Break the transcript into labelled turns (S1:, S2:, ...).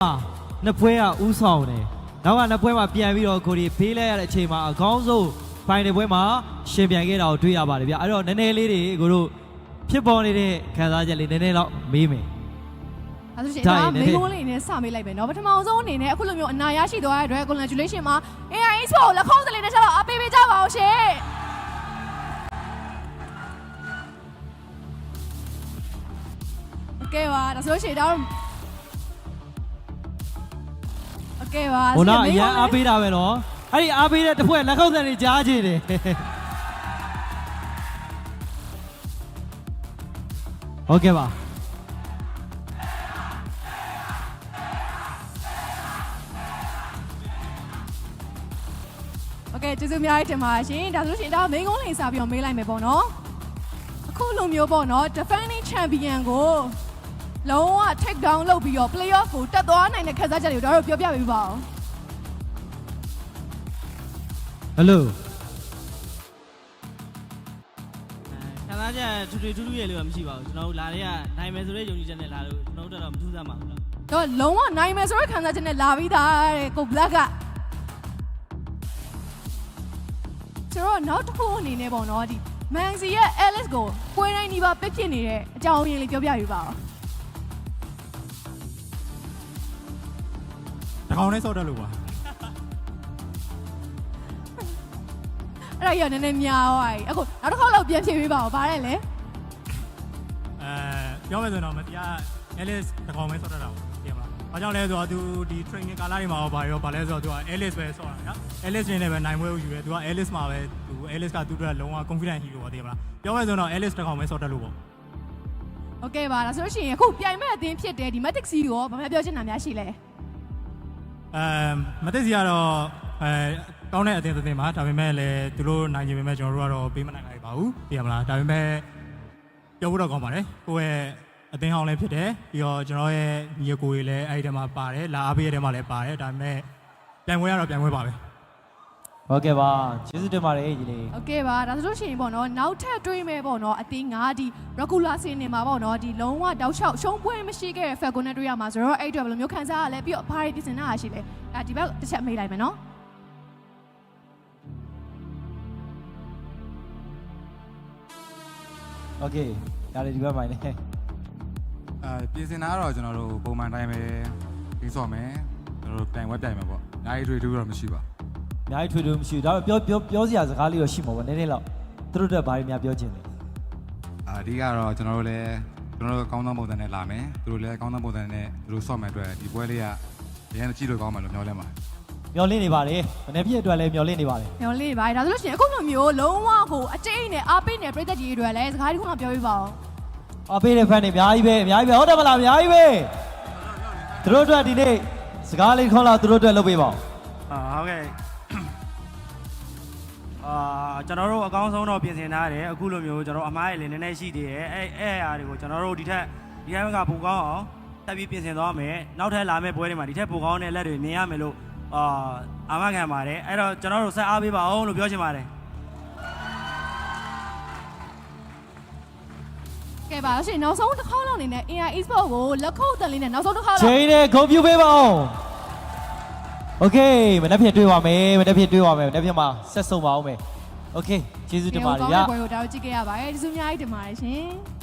S1: နှစ်ပွဲကဥဆောင်တယ်နောက်ကနှစ်ပွဲမှာပြန်ပြီးတော့ကိုဒီဖေးလိုက်ရတဲ့အချိန်မှာအကောင်းဆုံးဖိုင်နယ်ပွဲမှာရှင်ပြန်ခဲ့တာကိုတွေ့ရပါတယ်ဗျအဲ့တော့နည်းနည်းလေးတွေကိုတို့ဖြစ်ပေါ်နေတဲ့ခံစားချက်လေးနည်းနည်းတော့မေးမယ်
S2: အဲ့ဆိုရှင်ဒါမေးခွန်းလေးနဲ့စမေးလိုက်မယ်နော်ပထမဆုံးအနေနဲ့အခုလိုမျိုးအနာရရှိသွားတဲ့အတွက် congratulation မှာ AI Expo ကိုလက်ခုံးစလေးနဲ့ချက်တော့အပေးပေးကြပါအောင်ရှင်โอเคပါဒါဆိုရှင်တော့โอเคပါ
S1: ဟိုတော့အရန်အားပေးတာပဲနော်အဲ့ဒီအားပေးတဲ့တစ်ဖွဲ့လက်ခုပ်ဆန်တွေကြားချင်တယ်ဟုတ်ကဲ့ပါ
S2: โอเคကျေးဇူးအများကြီးတင်ပါရှင်ဒါဆိုရှင်ဒါမိန်းကုန်းလေးစားပြီးတော့မေးလိုက်မယ်ပေါ့နော်အခုလိုမျိုးပေါ့နော် defending champion ကိုလုံးဝ take down လုပ်ပြီးတော့ playoff ကိုတက်သွားနိုင်တဲ့ခက်စားချက်တွေကိုတို့ပြောပြပေးပါဦး
S1: ဟယ်လို
S3: ခံစားချက်ထူထူရဲ့လို့တော့မရှိပါဘူးကျွန်တော်တို့လာတဲ့ကနိုင်မယ်ဆိုတဲ့ယုံကြည်ချက်နဲ့လာလို့ကျွန်တော်တို့တော့မထူးဆန်းပါဘူးလား
S2: တော့လုံးဝနိုင်မယ်ဆိုတဲ့ခန်းစားချက်နဲ့လာပြီးသားတဲ့ကို black ကကျွန်တော်နောက်တစ်ခုအနေနဲ့ပေါ့နော်ဒီ Manzi ရဲ့ Alice ကိုပွဲတိုင်းဒီပါပစ်ဖြစ်နေတဲ့အကြောင်းရင်းလေးပြောပြပေးပါဦး
S4: တကောင်နဲ့စောက်တက်လို့ပါ
S2: အဲ့ဒါရနည်းနည်းများသွားပြီအခုနောက်တစ်ခေါက်လောက်ပြန်ဖြေပေးပါဦးဗါတယ်လေ
S4: ပြောမယ်ဆိုတော့မတရား Alice တကောင်ပဲစောက်တက်တာပေါ့ပြင်ပါဘာကြောင့်လဲဆိုတော့သူဒီ training ကာလတွေမှာရောဘာလဲဆိုတော့သူက Alice ပဲစောက်တာနော် Alice နေနဲ့ပဲနိုင်ပွဲကိုယူရဲသူက Alice မှာပဲသူ Alice ကသူ့အတွက်လုံးဝ confident hero ပါတင်မလားပြောမယ်ဆိုတော့ Alice တကောင်ပဲစောက်တက်လို့ပေါ့
S2: โอเคပါဒါဆိုလို့ရှိရင်အခုပြိုင်မဲ့အသင်းဖြစ်တဲ့ဒီ Matic C ကိုဘာမှပြောချင်တာများရှိလဲ
S4: Matic C ကတော့ကောင်းတဲ့အသင်းတစ်သင်းပါဒါပေမဲ့လည်းသူတို့နိုင်ချင်ပေမဲ့ကျွန်တော်တို့ကတော့ပေးမနိုင်နိုင်ပါဘူးသိရမလားဒါပေမဲ့ပြောဖို့တော့ကောင်းပါတယ်ကိုယ့်ရဲ့အသင်းဟောင်းလည်းဖြစ်တယ်ပြီးတော့ကျွန်တော်ရဲ့ညီကိုတွေလည်းအဲ့ဒီထဲမှာပါတယ်လာအားပေးတဲ့ထဲမှာလည်းပါတယ်ဒါပေမဲ့ပြိုင်ပွဲကတော့ပြိုင်ပွဲပါပဲ
S1: ဟုတ်ကဲ့ပါကျေးဇူးတင်ပါတယ်ကြီးလေး
S2: โอเคပါဒါဆိုလို့ရှိရင်ပေါ့နော်နောက်ထပ်တွေးမယ်ပေါ့နော်အသင်း9ဒီ regular scene နေမှာပေါ့နော်ဒီလုံးဝတောက်လျှောက်ရှုံးပွဲမရှိခဲ့တဲ့ Falcon နဲ့တွေးရမှာဆိုတော့အဲ့အတွက်ဘယ်လိုမျိုးခံစားရလဲပြီးတော့ဘာတွေပြင်ဆင်တာရှိလဲဒီဘက်တစ်ချက်မေးလိုက်မယ်နော်
S1: โอเคဒါလေးဒီဘက်မှာနေ
S5: ပြင်ဆင်တာကတော့ကျွန်တော်တို့ပုံမှန်တိုင်းပဲပြီးစော့မယ်ကျွန်တော်တို့တိုင်ဝက်တိုင်မယ်ပေါ့။နိုင်ထွေထူးတော့မရှိပါဘူး
S1: ။နိုင်ထွေထူးမရှိဘူး။ဒါပေမဲ့ပြောစရာစကားလေးတော့ရှိမှာပေါ့နည်းနည်းတော့သူတို့တက်ဘာတွေများပြောချင်လဲ
S5: ။အဓိကတော့ကျွန်တော်တို့လည်းကျွန်တော်တို့ကောင်းသောပုံစံနဲ့လာမယ်။သူတို့လည်းကောင်းသောပုံစံနဲ့သူတို့စော့မယ်အတွက်ဒီပွဲလေးကအရင်ကြည့်လို့ကောင်းမယ်လို့မျှော်လင့်ပါတယ်
S1: ။မျှော်လင့်နေပါတယ်။မနေ့ပြည့်အတွက်လည်းမျှော်လင့်နေပါတယ်
S2: ။မျှော်လင့်နေပါတယ်။ဒါဆိုလို့ရှိရင်အခုလိုမျိုးလုံးဝကိုအကျိတ်နဲ့အားပေးနေတဲ့ပြည်သက်ကြီးတွေအတွက်လည်းစကားတစ်ခုမှပြောပြပါဦး
S1: ။အားပေးတဲ့ fan တွေအများကြီးပဲဟုတ်တယ်မလားအများကြီးပဲ။သူတို့အတွက်ဒီနေ့စကားလေးခေါ်လာသူတို့အတွက်လုပ်ပေးပါဦး
S3: ဟုတ်ကဲ့ကျွန်တော်တို့အကောင်းဆုံးတော့ပြင်ဆင်ထားတယ်အခုလိုမျိုးကျွန်တော်အမားရည်လည်းနည်းနည်းရှိသေးတယ်အဲ့အရာတွေကိုကျွန်တော်တို့ဒီထက်ကပိုကောင်းအောင်တက်ပြီးပြင်ဆင်သွားမယ်နောက်ထပ်လာမယ့်ပွဲတွေမှာဒီထက်ပိုကောင်းတဲ့လက်တွေမြင်ရမယ်လို့အာမခံပါတယ်အဲ့တော့ကျွန်တော်တို့ဆက်အားပေးပါအောင်လို့ပြောချင်ပါတယ်
S2: ကဲပါရှင်နောက်ဆုံးတစ်ခေါက်လောက်အနေနဲ့ AI Esport ကိုလက်ခုပ်တန်လေးနဲ့နောက်ဆုံးတစ်ခေါက်လောက်
S1: ချိန်နဲ့ဂုဏ်ပြုပေးပါအောင်โอเคမနေ့ဖြစ်တွေ့ပါမယ်မနေ့ဖြစ်မှာဆက်ဆုံပါအောင်မယ်โอเคကျေးဇူးတင်ပါတယ်ဗျာ
S2: ကိုယ်ကိုဒါကိုကြည့်ခဲ့ရပါတယ်ကျေးဇူးအများကြီးတင်ပါတယ်ရှင်